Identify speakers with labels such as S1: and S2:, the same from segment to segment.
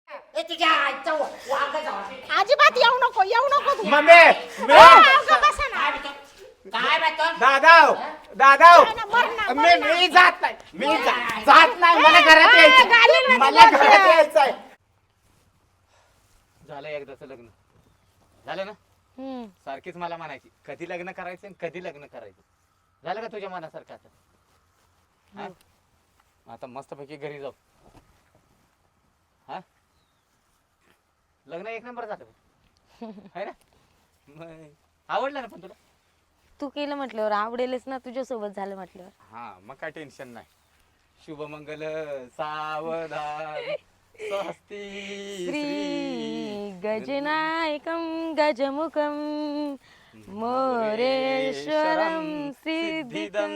S1: ए तुझ्या आईचा वांगा जावा.
S2: अजिबात येऊ नको तू.
S3: मम्मी
S2: बसा ना.
S1: काय म्हणतो?
S3: दादा
S2: मर ना.
S3: मी जात नाही जात नाही मला घरात यायचं मला घरात यायचंय. झालं एकदाच लग्न झालं ना सारखीच मला म्हणायची कधी लग्न करायचं आणि कधी लग्न करायचं. झालं का तुझ्या मनासारखं आता? आता मस्तपैकी घरी जाऊ. हा लग्न एक नंबर झालं है ना. मग आवडलं ना पण तुला?
S4: तू केलं म्हटल्यावर आवडेलच ना, तुझ्यासोबत झालं म्हटल्यावर.
S3: हा मग काय टेन्शन नाही. शुभमंगल सावधान स्वस्ती
S4: श्री गजनायकं गजमुखं मोरेश्वरं सिद्धिदं.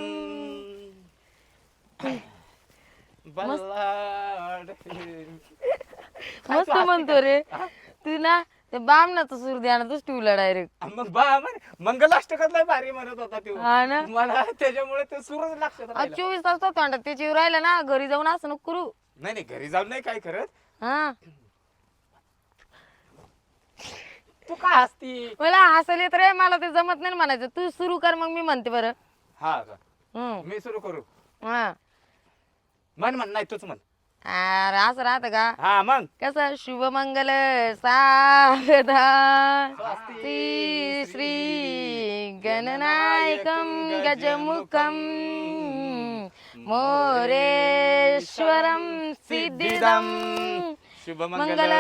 S3: बल्लाड
S4: मस्त म्हणतो रे तू ना. ते बामणाचा सूर ध्यानातच ठेवला डायरेक्ट.
S3: मग मंगलाष्टकातला भारी म्हणत होता तो.
S4: हा ना.
S3: मला त्याच्यामुळे ते सूरच लक्षात राहिला.
S4: 24 तास तोंडात त्याची राहिला ना. घरी जाऊन असं नको करू.
S3: नाही घरी जाऊन नाही काय करत.
S4: हा
S3: तू का हसती?
S4: मला हसायला येत रे. मला ते जमत नाही म्हणायचं. तू सुरू कर मग मी म्हणते बरं.
S3: हा का
S4: हम्म.
S3: मी सुरू करू?
S4: हा
S3: म्हण नाही तूच म्हण.
S4: अरे असं राहत का?
S3: हा मग
S4: कसं शुभमंगल सावधान श्री श्री गणनायकं गजमुखं मोरेश्वरं सिद्धिदं मंगल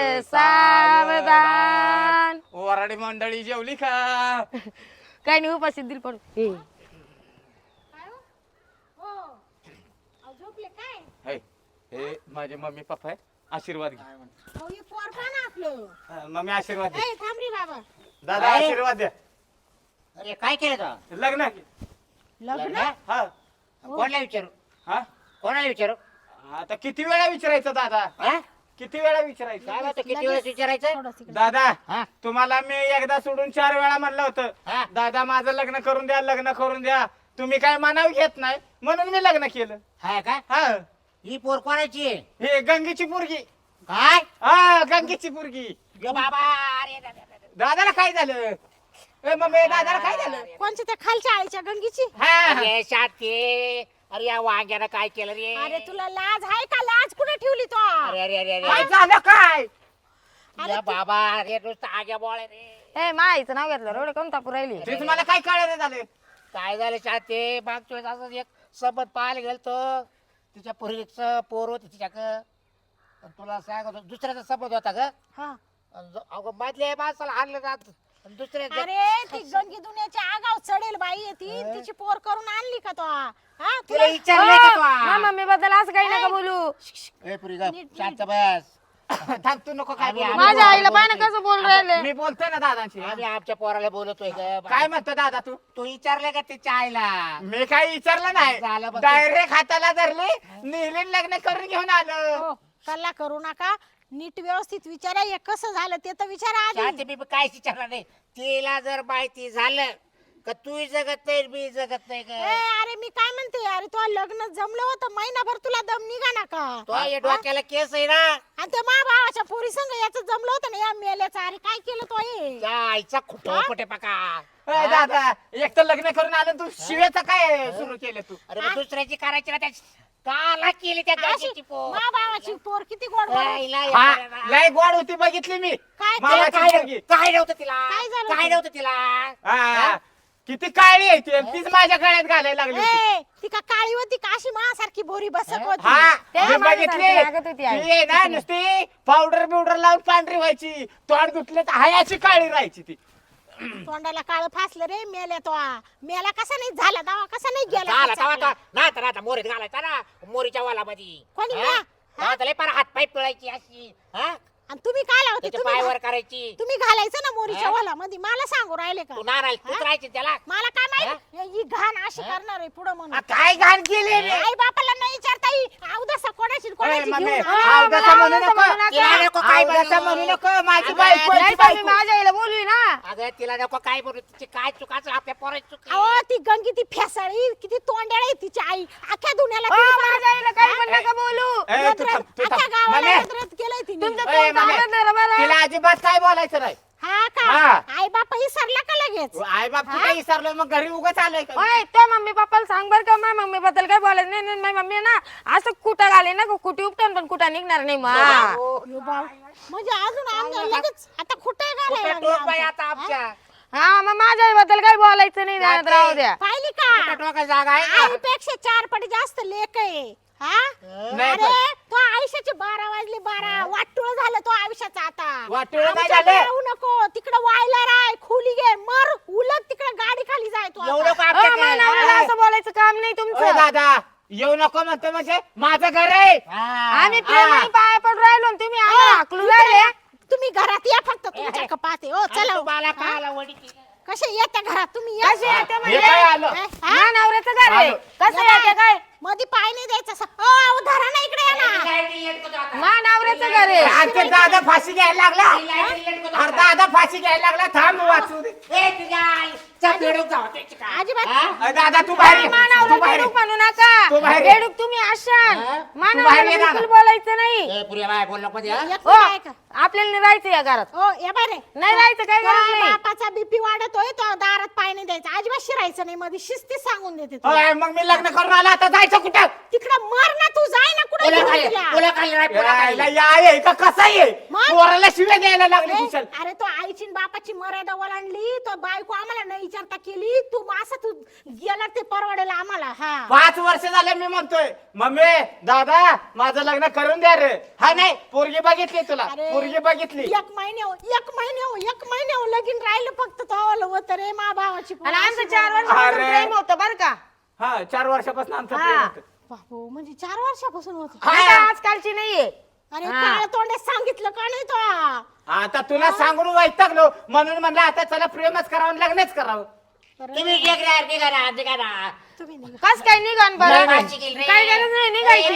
S4: सावधान.
S3: वराडी मंडळी जेवली का?
S4: काय नाही उपाशी दिल पडू.
S2: झोपले काय?
S3: हे हे माझे मम्मी पप्पा आहे. आशीर्वाद घे.
S2: अहो, हे पोर पहा ना आपलं.
S3: मम्मी आशीर्वाद दे.
S2: ए, थांब रे बाबा.
S3: दादा आशीर्वाद द्या.
S1: अरे काय केलं तो?
S3: लग्न
S2: लग्न?
S3: हा
S1: कोणाला विचारू?
S3: हा
S1: कोणाला विचारू?
S3: आता किती वेळा विचारायचं दादा?
S1: हा?
S3: किती वेळा
S1: काय
S3: विचारायचं?
S1: म्हणतो? किती वेळेस विचारायचं?
S2: थोडंसं इकडे.
S3: दादा
S1: हा?
S3: तुम्हाला मी एकदा सोडून 4 वेळा म्हणलं होतं
S1: हा?
S3: दादा माझं लग्न करून द्या लग्न करून द्या. तुम्ही काय मनाव घेत नाही म्हणून मी लग्न केलं.
S1: हाय का?
S3: हा
S1: ही पोर कोणाची आहे?
S3: हे गंगेची पोरगी.
S1: काय?
S3: हा गंगेची पोरगी.
S1: यो बाबा अरे
S3: दादाला काय झालं? ए मम्मी दादाला काय झालं?
S2: कोणच्या त्या खालच्या आळीच्या गंगीची?
S3: हा
S1: अरे शाते. अरे या वांग्यानं काय केलं रे?
S2: अरे तुला लाज आहे का? लाज कुठे ठेवली तो?
S1: अरे अरे अरे
S3: काय
S1: अरे
S3: झालं काय?
S1: या बाबा अरे नुसतं आग्या बोळ रे.
S4: ए माईचं नाव घेतलं एवढं कम तापू राहिली.
S3: ते तुम्हाला काय कळलं झालं?
S1: काय झालं शाते? मागच्या वेळेस असं एक सबत पाहायला गेलतो. तिच्या पोरीचं पोर होती तिच्याकडं. तुला सांगतो दुसऱ्याचा सबत होता ग.
S2: हा.
S1: अगं मधल्या माणसाला हाणलं जात दुसऱ्या
S2: अरे ती गंगी दुनियाच्या आगाव चढेल बाई आहे ती. तिची पोर करून आणली का तो? हा
S1: तुला
S2: तुला
S1: विचारलंय का तू?
S4: मम्मी बद्दल असं काही नका बोलू.
S1: ए पुरी ग शांत बस.
S3: थांब तू नको काय बोलू.
S4: माझ्या आईला पाहिजे कसं बोल राहिले.
S3: मी बोलतोय ना दादाची.
S1: आम्ही आमच्या पोराला बोलतोय ग.
S3: काय म्हणतो दादा तू?
S1: तू विचारलंय का तिच्या आईला?
S3: मी काही विचारलं नाही.
S1: झालं बघ.
S3: डायरेक्ट हाताला धरले नेले लग्न करून घेऊन आलो.
S2: हो, कल्ला करू नका. नीट व्यवस्थित विचारा. हे कसं झालं ते तर विचारा आधी.
S1: शांती मी काय विचारणार नाही. तिला जर माहिती झालं का तू जगत नाही मी जगत नाही
S2: ए,
S1: ग.
S2: अरे मी काय म्हणते, अरे तो लग्न जमलं होतं महिनाभर तुला दम निघा ना का?
S1: तो या डोक्याला केस आहे ना.
S2: आणि त्या मा भावाच्या पोरी संग याचं जमलं होतं ना या मेल्याचं. अरे काय केलं तो हे?
S1: त्या आईचा खुटो कुठे पका.
S3: ए, दादा एक तर लग्न करून आलं तू शिव्याचं काय सुरू केलं तू?
S1: अरे मग दुसऱ्याची करायची ना त्या काला केली त्या
S2: अशी
S1: गाशीची पोर.
S2: मा भावाची पोर किती गोड बोलत.
S1: आईला
S3: हा
S1: या-
S3: लय गोड होती बघितली मी.
S2: काय
S3: मामाची
S2: केलं?
S3: पोरगी.
S1: काय नव्हतं तिला?
S2: काय झालं
S1: काय
S2: होतं?
S1: नव्हतं तिला?
S3: हा, किती काळी आहे ती. तीच माझ्या गळ्यात घालायला लागली होती.
S2: ए, ती का काळी होती का अशी मासारखी बोरी बसक होती?
S3: हा
S4: त्या
S3: मी
S4: माणसासारखी
S3: बघितली.
S4: लागत होती आई.
S3: ती आहे ना नुसती पावडर बिवडर लावून पांढरी व्हायची. तोंड धुतले तर हायाची काळी राहायची ती.
S2: तोंडाला काळ फासलं रे. मेल्या तो. मेला कसा नाही झाला दवा कसा नाही गेला
S1: झाला
S2: त्याचा?
S1: तवा नाता मोरीत घालायचा ना मोरीच्या वाला मध्ये.
S2: कोणी का?
S1: पार हात पाय पिळायची अशी. हा?
S2: आणि तुम्ही काय लावते?
S1: त्याचे पाय वर करायची.
S2: तुम्ही घालायचं ना मोरीच्या
S1: हा?
S2: वाला मध्ये. मला सांगू राहिले का?
S1: तू नाराय तूच
S2: हा?
S1: राहायची त्याला.
S2: मला काय माहित ही घाण अशी करणार आहे पुढे म्हणून.
S3: काय घाण केली रे?
S2: आई बापाला नाही विचारता येईल. अवदसा कोणाची
S3: ए,
S2: कोणाची
S3: मम्मी,
S2: घेऊन
S4: हा,
S3: अवदसा म्हणू
S4: मला
S3: नको.
S4: म्हणू नका.
S1: तिला नको काय
S3: अवदसा
S1: म्हणू.
S3: म्हणू नको. माझी
S1: अगं,
S3: बायको
S4: नाही
S3: आहे,
S4: तर मी
S3: बायको.
S4: माझ्या आईला बोलवी ना.
S1: अगं तिला नको काय बोलू. तिची काय चुकाच आपल्या पोराची चुक
S2: अहो ती गंगी ती फेसाळी किती तोंड्याळ आहे तिची आई. अख्ख्या दुनियाला
S4: हो,
S2: तिने
S4: माझ्या आईला काही पण नका बोलू.
S3: ए, तू थांब, तू
S2: अख्ख्या
S3: थांब.
S2: गावाला
S3: मम्मी,
S2: नजरेत केलंय तिने.
S4: तुमचं
S3: ए, मामे,
S4: सांगत नाही रे मला.
S3: तिला अजिबात काय बोलायचं नाही
S2: हा का
S3: हा.
S2: आई बापा विसरला का लगेच
S3: आई बाप कुठे विसरलं मग घरी उगाच आलोय का
S4: ओय त्या मम्मी पप्पाला सांग बर का माझ्या मम्मी बद्दल काय बोलायचं नाही नाही, माझी मम्मी ना असं कुठं घाले ना कुठे उपटून पण कुठं निघणार नाही मा
S2: यो बाव. म्हणजे अजून आम्ही लगेच आता कुठे
S1: कुठे टोक बाई आता आमच्या
S4: हा मग माझ्या बद्दल काही बोलायचं नाही ध्यानात राहू द्या.
S2: पाहिली
S1: कुठे
S2: का
S1: टोकाची जागा आहे का?
S2: आईपेक्षा 4 पट जास्त लेक आहे हा
S3: नाही
S2: अरे तो आयुष्याचे 12 वाजले 12 वाटुळ झालं तो आयुष्याचा आता
S3: वाटोळं काय
S2: आमच्याकडे
S3: झालं?
S2: येऊ नको तिकडे वायला राय खोली घे मर उलट तिकडे गाडी खाली जाय तू
S1: एवढं
S2: आता.
S1: का
S4: ओ, माझ्या
S1: आमच्या
S4: नवऱ्याला असं बोलायचं काम नाही
S3: ओ,
S4: तुमचं.
S3: दादा येऊ नको म्हणतो म्हणजे माझं घर आहे
S4: आम्ही प्रेमाने पाया पडून राहिलो आणि तुम्ही आम्हाला हाकलून राहिले.
S2: तुम्ही घरात या फक्त तुमच्या कपाते हो चला
S1: तुम्हाला काला वडी केली.
S2: कसे येत्या घरात तुम्ही या.
S4: कसे येते
S3: हे
S4: म्हणजे?
S3: काय आलं
S2: हा?
S4: माझ्या नवऱ्याचं घर आहे
S3: आलो.
S4: कसं
S2: या
S4: येते काय
S2: मध्ये पाय नाही द्यायचा असं. ओ धरा ना इकडे या ना
S1: लाईट इलेक्ट होतं आता.
S4: माझ्या नवऱ्याचं घर आहे.
S3: आमचे दादा फाशी घ्यायला लागला
S1: लाईट इलेक्ट होतं
S3: अरे
S1: आता.
S3: दादा फाशी घ्यायला लागला थांब वाचू दे
S1: ए, तुझ्या आईचा बेडूक जाऊ त्याची काय?
S2: अजिबात
S1: हा?
S3: अरे दादा तू बाहेर ये.
S4: माझ्या
S3: तू
S4: नवऱ्याला
S3: बाहेर ये.
S4: बेडूक म्हणू नका.
S3: तू बाहेर ये.
S4: बेडूक तुम्ही असाल.
S1: हा?
S4: माझ्या
S3: तू बाहेर ये
S4: नवऱ्याला
S3: ना.
S4: बिलकुल बोलायचं नाही.
S1: ए, पुऱ्या बाय बोल नको मध्ये, हा?
S2: एक
S4: हो
S2: मिनिट ऐका.
S4: आपल्याला नाही राहायचं या घरात.
S2: ओ या बारे
S4: नाही राहायचं काय गरज नाही.
S2: बापाचा बीपी वाढतोय तो दारात पाय नाही द्यायचा अजिबात शिरायचं नाही मध्ये शिस्ती सांगून देते तू.
S3: अय, मग मी लग्न करून आला आता जायचं कुठं
S2: तिकडं मर ना तू जाय ना कुठे
S1: पुला खाली पुला खाली राय, पुला खाली.
S3: यायला या आहे का कसा आहे
S2: मग?
S3: पोराला शिव्या द्यायला लागले कुशल
S2: अरे तो आईची न बापाची मर्यादा ओलांडली तो बायको आम्हाला न विचारता केली तू असं तू गेला ते परवडेल आम्हाला हा
S3: 5 वर्ष झाले मी म्हणतोय मम्मी दादा माझं लग्न करून द्या रे हा नाही पोरगी बघितली तुला
S2: अरे,
S3: पोरगी बघितली
S2: 1 महिने लगीन राहिलं फक्त तो होत रे मा भावाची
S4: आणि आमचं 4
S3: अरे.
S4: वर्ष प्रेम होतं बरं का.
S3: हा 4 वर्षापासून आमचं
S4: हा.
S3: प्रेम होतं.
S2: बाबू म्हणजे 4 वर्षापासून होत
S3: हा.
S4: आता आजकालची नाहीये.
S2: अरे
S4: हा.
S2: काळ तोंडे सांगितलं का नाही तो
S3: आता तुला सांगून वैतागलो म्हणून म्हणलं आता चला प्रेमच करावं आणि लग्नच करावं
S1: तुम्ही निघा ना.
S2: तुम्ही निघा.
S4: कस काय निघान
S1: नाही,
S4: बरं
S1: फाशी गेली रे.
S4: काय गरज नाही निघायची.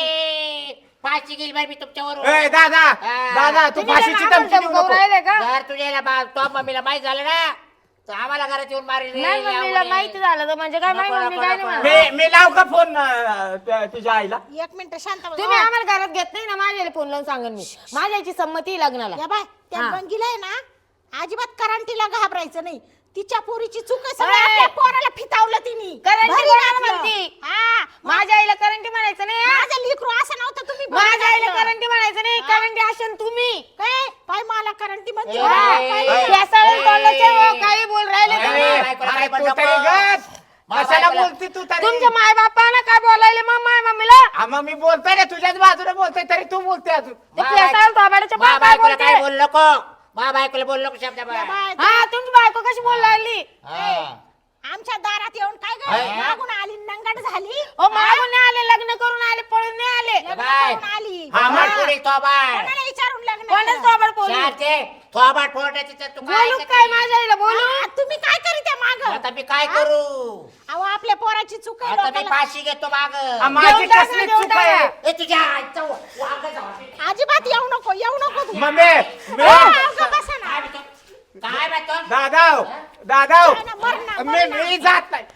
S1: फाशी गेली बाई मी तुमच्यावर
S3: ए दादा
S1: हा.
S3: दादा तू
S4: तुम्ही
S3: फाशीची
S4: त्यांना
S3: धमकी
S4: आम्हाला
S3: देऊ नको.
S4: राहिले का
S1: जर तुझ्या तो मम्मीला माहित झालं ना तर आम्हाला घरात येऊन मारेल रे,
S4: नाही मम्मीला
S1: यावं रे.
S4: माहिती झालं तर म्हणजे काय माझी
S1: नको,
S4: मम्मी
S1: नको,
S4: काय नाही
S1: नको.
S4: म्हणत.
S3: मी लाव का फोन तुझ्या आईला
S2: 1 मिनिट शांत बस.
S4: तुम्ही आम्हाला घरात घेत नाही ना माझ्याला फोन लावून सांगेन मी माझ्या याची संमती आहे लग्नाला.
S2: या बाय त्या
S4: हा.
S2: गंगीला आहे ना अजिबात करंटीला घाबरायचं नाही तिच्या पोरीची चूक आहे सगळं
S4: अरे.
S2: आपल्या पोराला फितावलं तिने
S4: करंटी
S2: भरी
S4: कोणाला
S2: घातलं.
S4: म्हणती?
S2: हा
S4: माझ्या आईला करंटी म्हणायचं नाही हा?
S2: माझं लेकरू असं नव्हतं तुम्ही भरी
S4: माझ्या आईला
S2: घातलं.
S4: करंटी म्हणायचं नाही करंटी असेल तुम्ही.
S2: काय पाय मला करंटी म्हणते
S1: ए,
S2: हा,
S1: ए,
S2: काय?
S1: ए,
S4: केसाळून तोंडाचे हो, काही बोल राहिले
S1: ए,
S4: तुम्ही.
S1: ए, बायकोला काय
S3: अरे,
S1: पण
S3: तू तरी
S1: नको.
S3: गप.
S1: मा
S3: कशाला
S1: बायकोला-
S3: बोलती तू तरी
S4: तुमच्या माय बापानं काय बोलायले मग माय मम्मीला
S3: हा, मग मी बोलतोय ना तुझ्याच बाजूने बोलतोय तरी तू बोलते अजून
S4: ते केसाळून थोबाडाच्या
S1: मा
S4: पाय काय
S1: बायकोला काय
S4: बोलते.
S1: बोल नको मा बायकोला बोल नको शब्द
S2: या
S1: बाय.
S2: बाय,
S4: हा तुमची बायको कशी बोल लागली.
S1: हा.
S2: आमच्या दारात येऊन काय
S1: हा.
S2: ग मागून आली नंगट झाली
S4: ओ मागून नाही आले लग्न करून आले पळून नाही आले.
S2: लग्न
S1: बाय.
S2: करून आली
S3: हा,
S1: थोबाड
S3: हा.
S1: पोरी, थोबाड.
S2: कोणाला विचारून लग्न
S4: कोणच
S2: केलं?
S4: थोबाड बोलू
S1: शांते, थोबाड फोडायची तर तू
S4: बोलू
S1: काय
S4: काय माझ्या आईला बोलू.
S2: हा, तुम्ही काय करीत माग
S1: आता मी काय करू
S2: अहो आपल्या पोराची चूक आहे
S1: आता मी
S2: डोक्याला.
S1: फाशी घेतो माग
S3: हा, माझी
S4: देऊन टाक
S3: कसली
S4: ना, देऊन
S3: चूक आहे
S4: टाक.
S1: ए तुझ्या आईचं वांग जाऊ.
S2: अजिबात येऊ नको तू
S3: मम्मी मी-
S2: हा, अगं बसा ना.
S1: काय म्हणतो? काय म्हणतो?
S3: दादा दादा
S2: नाही ना, मर ना, मर ना.
S3: मी जात नाही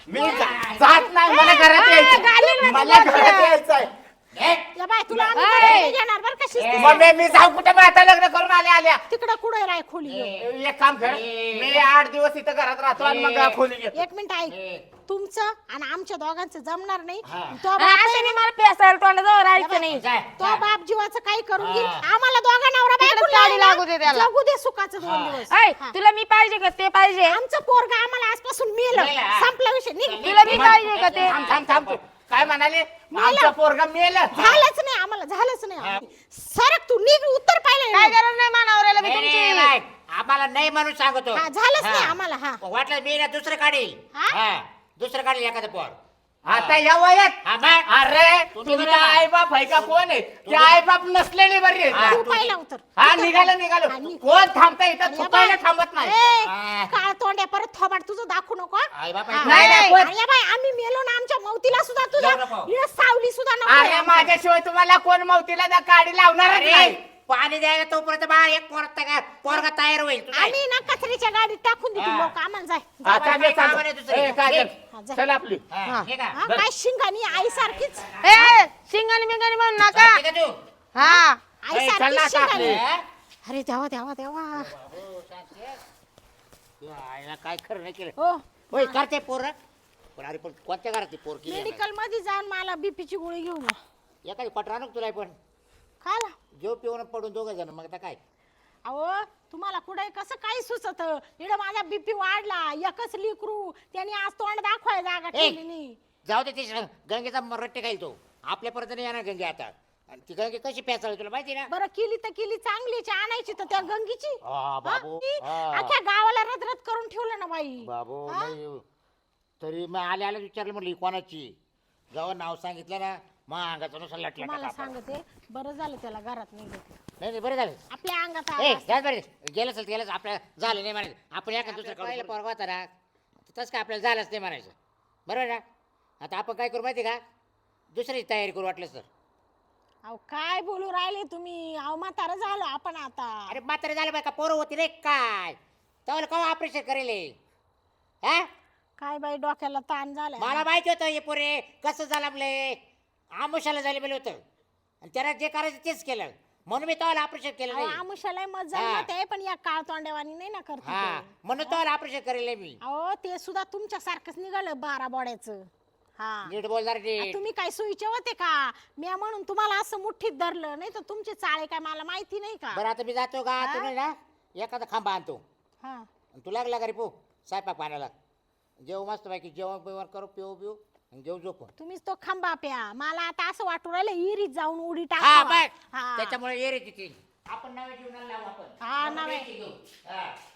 S3: जात नाही मला घरात
S4: घालीन
S3: यायचं
S4: ना
S3: मला
S4: तुला.
S3: घरात यायचंय
S1: ए,
S2: या बाय तुला आम्ही
S4: ए.
S2: घरी घेणार बरं का शिस्तीत.
S3: मम्मी मी जाऊ कुठे मी आता लग्न करून आल्या
S2: तिकडं कुठे राय खोली घेऊन.
S3: एक काम कर मी 8 दिवस इथं घरात राहतो आणि मग खोली घेतो
S2: 1 मिनिट ऐक तुमचं आणि आमच्या दोघांचं जमणार नाही
S1: हा.
S2: तो बाप आहे
S4: असं
S2: ना,
S4: मला पेसायला तोंडाजवळ राहायचं नाही.
S1: जाय,
S2: तो
S1: जाय.
S2: बाप जीवाचं काही करून घेईल
S1: हा.
S2: आम्हाला दोघा नवरा
S4: तिकडे
S2: बायकोला
S4: साडी
S2: आहे ना,
S4: लागू दे त्याला.
S2: जगू दे सुखाचं 2
S1: हा.
S2: दिवस
S4: ऐ,
S2: हा.
S4: तुला मी पाहिजे का ते पाहिजे.
S2: आमचं पोरगा आम्हाला आजपासून मेलं
S1: मेलं.
S2: संपला विषय निघ
S4: तुला मी पाहिजे का ते.
S3: थांब तू काय म्हणाले आमचा पोरगा मेलं
S2: झालंच नाही आम्हाला झालंच नाही सरक तू निघ उत्तर
S4: काय
S2: पाहिलं
S4: गरज नाही मानावऱ्याला मी
S1: नाही, नाही,
S4: तुमची.
S1: नाही. आम्हाला नाही म्हणून सांगतो
S2: हा झालंच नाही
S1: हा.
S2: आम्हाला हा
S1: वाटलं मी ना दुसरं काढील
S2: हा?
S1: हा, दुसरं काढील एखादं पोर
S3: आता या वयात
S1: हा, मग.
S3: अरे
S1: तुम्ही
S3: तुमचा
S1: बघा.
S3: आई बाप आहे का कोण आहे ते आई बाप नसलेली बरी आहे.
S1: हा.
S2: तू पाहिला उत्तर
S3: हा
S2: उत्तर
S3: निघालो
S2: पाहिलं.
S3: निघालो
S2: हा, निघ.
S3: कोण थांबता इथं
S2: आणि या
S3: थुकायला
S2: बाय,
S3: थांबत नाही
S2: ए,
S1: हा.
S2: काळ तोंड्या परत थोबाड तुझं दाखवू नको हा?
S1: आई बाप
S2: हा.
S1: ऐकू.
S3: नाही, नाही, कोण-
S2: आणि या बाय आम्ही मेलो ना आमच्या मौतीला सुद्धा तुझ्या
S1: जाऊ नको.
S2: इकडं सावली सुद्धा नको
S3: अरे माझ्याशिवाय तुम्हाला कोण मौतीला जा गाडी लावणारच
S1: अरे,
S3: नाही
S1: पाणी द्यायला तोपर्यंत बा एक पोरगा तयार होईल तू जाय.
S2: आम्ही ना कचऱ्याच्या गाडीत टाकून देतो
S1: हा.
S2: लोक आम्हाला जाय
S3: आता
S1: काय
S3: मी
S1: कामं नाही दुसरी.
S3: ए, काजल,
S2: हा, जा.
S3: चल आपली
S1: हा, हे का?
S2: हा, काय शिंगानी आई सारखीच
S4: ए, शिंगाणी बिंगाणी म्हणू नका.
S1: ठीक आहे तू
S4: हा
S2: आई
S1: चल
S2: सारखी
S1: ना आता
S2: शिकाली.
S1: आपले.
S2: अरे देवा देवा देवा.
S1: बाबू, शांती आहे. तू आईला काय खरं नाही केलं
S2: हो
S1: होय करते पोर पण अरे पण कोणत्या घरात ती पोर केली
S2: मेडिकल मध्ये जाऊन मला बीपीची गोळी घेऊन या.
S1: एखादी पटरा नको तुला पण
S2: खायला.
S1: जेव पिऊन पडून दोघं जण मग आता काय
S2: अहो तुम्हाला कुठे कसं काही सुचत इकडे माझा बीपी वाढला एकच लिकरू त्यांनी आज तोंड दाखवाय जागा ठेवली नाही.
S1: जाऊ दे ती गंगेचा रट्टे खाईल तो आपल्या परत नाही येणार गंगे आता आणि ती गंगे कशी प्यासाळी तुला माहिती ना
S2: बरं केली तर केली चांगलीची आणायची तर त्या गंगीची.
S1: हा, बाबू,
S2: हा? ती
S1: हा.
S2: अख्ख्या गावाला रदरद करून ठेवलं ना बाई.
S1: बाबू
S2: हा?
S1: नाही तरी मग आले आले विचारलं म्हटलं ही कोणाची जेव्हा नाव सांगितलं ना मग अंगाचं नुसार लटलं
S2: तुम्हाला सांगते बरं झालं त्याला घरात नाही घेतलं.
S1: नाही बरं झालं
S2: आपल्या अंगात
S1: ए
S2: आला.
S1: जात बरं गेलं असेल गेलं आपल्या झालं नाही म्हणायचं आपण एका दुसरं पहिलं पोरगा होता ना तसं काय आपल्याला झालंच नाही म्हणायचं बरोबर ना आता आपण काय करू माहिती का दुसरीची तयारी करू वाटलं सर
S2: अहो काय बोलू राहिले तुम्ही अहो म्हातारं झालो आपण आता.
S1: अरे म्हातारे झालं बाय का पोरं होती रे काय त्यावेळेला केव्हा ऑपरेशन करेल हा
S2: काय बाई डोक्याला ताण झाला.
S1: मला माहिती होतं हे पोरे कसं झालं आपले आमुषाला झाले गेलं होतं आणि त्याला जे करायचं तेच केलं म्हणून मी तेव्हा ऑपरेशन केलं नाही
S2: आमुषाला मत
S1: हा.
S2: जमत आहे पण या काळ तोंडेवानी नाही ना करत
S1: हा
S2: ते.
S1: म्हणून तेव्हा ऑपरेशन करेल नाही मी
S2: अहो ते सुद्धा तुमच्या सारखंच निघालं 12 बोड्याचं. हा
S1: नीट बोलणार
S2: आ,
S1: नीट
S2: तुम्ही काय सोयीचे होते का मी म्हणून तुम्हाला असं मुठ्ठीत धरलं नाही तर तुमचे चाळे काय मला माहिती नाही का.
S1: बरं आता मी जातो का
S2: हा?
S1: तुम्ही ना एखादा खांबा आणतो
S2: हा
S1: आणि तू लागला का रे पो स्वयंपाक पाण्याला जेव मस्त पैकी जेवण बिवण करू पिऊ आणि घेऊ झोपून
S2: तुम्हीच तो खंबा प्या मला आता असं वाटू राहिलं इरीत जाऊन उडी
S1: हा
S2: टाका.
S1: बघ
S2: हा.
S1: त्याच्यामुळे ये रे तिथे आपण नव्या जीवनाला लावू आपण
S2: हा, नव्या.
S1: घेऊ. हा.